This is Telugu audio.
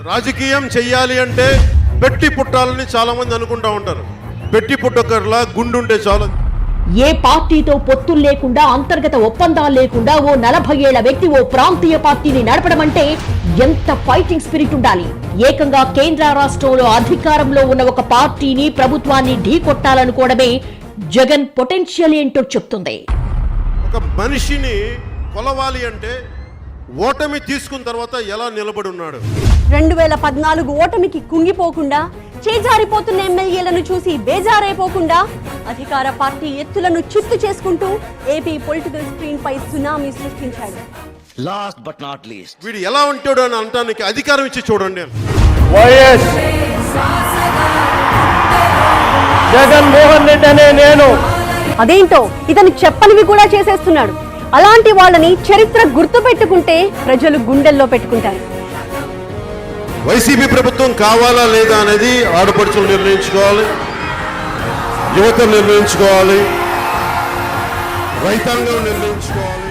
రాజకీయం చెయ్యాలి అంటే పెట్టి పుట్టాలని చాలా మంది అనుకుంటా ఉంటారు. పెట్టి పుట్టకర్లా గుండుంటే చాలు. ఏ పార్టీతో పొత్తులు లేకుండా, అంతర్గత ఒప్పందాలు లేకుండా ఓ 40 ఏళ్ల వ్యక్తి ఓ ప్రాంతీయ పార్టీని నడపడం అంటే ఎంత ఫైటింగ్ స్పిరిట్ ఉండాలి. ఏకంగా కేంద్ర రాష్ట్రంలో అధికారంలో ఉన్న ఒక పార్టీని, ప్రభుత్వాన్ని ఢీకొట్టాలనుకోవడమే జగన్ పొటెన్షియల్ ఏంటో చెప్తుంది. ఒక మనిషిని కొలవాలి అంటే ఓటమి తీసుకున్న తర్వాత ఎలా నిలబడి ఉన్నాడు. 2014 ఓటమికి కుంగిపోకుండా, చేజారిపోతున్న ఎమ్మెల్యేలను చూసి బేజారైపోకుండా, అధికార పార్టీ ఎత్తులను చిత్తు చేసుకుంటూ ఏపీ పొలిటికల్ స్క్రీన్ పై సునామీ సృష్టించాడు. లాస్ట్ బట్ నాట్ లీస్ట్, వీడు ఎలా ఉంటాడు అని అంటానికి అధికారం ఇచ్చి చూడండి. వైఎస్ జగన్మోహన్ రెడ్డి అనే నేను. అదేంటో ఇతను చెప్పనివి కూడా చేసేస్తున్నాడు. అలాంటి వాళ్ళని చరిత్ర గుర్తు పెట్టుకుంటే ప్రజలు గుండెల్లో పెట్టుకుంటారు. వైసీపీ ప్రభుత్వం కావాలా లేదా అనేది ఆడపడుచులు నిర్ణయించుకోవాలి, యువత నిర్ణయించుకోవాలి, రైతాంగం నిర్ణయించుకోవాలి.